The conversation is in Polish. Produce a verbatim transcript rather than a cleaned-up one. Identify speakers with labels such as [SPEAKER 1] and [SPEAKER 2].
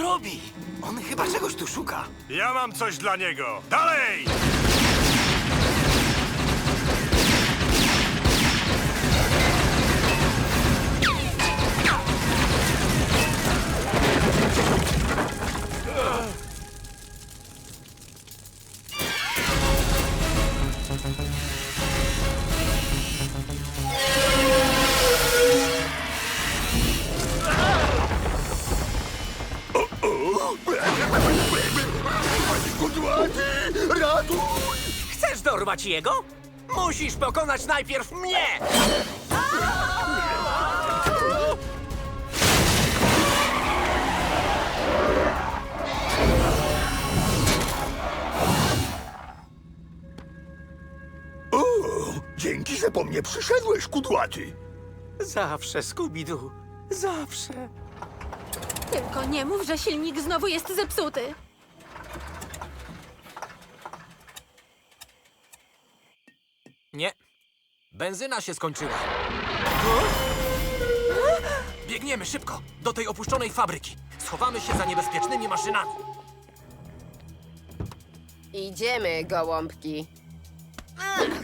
[SPEAKER 1] robi? On chyba czegoś tu szuka.
[SPEAKER 2] Ja mam coś dla niego. Dalej!
[SPEAKER 3] Kudłaty, ratuj!
[SPEAKER 1] Chcesz dorwać jego? Musisz pokonać najpierw mnie!
[SPEAKER 3] O, dzięki, że po mnie przyszedłeś, kudłaty.
[SPEAKER 1] Zawsze, Scooby-Doo. Zawsze.
[SPEAKER 4] Tylko nie mów, że silnik znowu jest zepsuty.
[SPEAKER 1] Nie. Benzyna się skończyła. Biegniemy szybko do tej opuszczonej fabryki. Schowamy się za niebezpiecznymi maszynami.
[SPEAKER 5] Idziemy, gołąbki. Ech,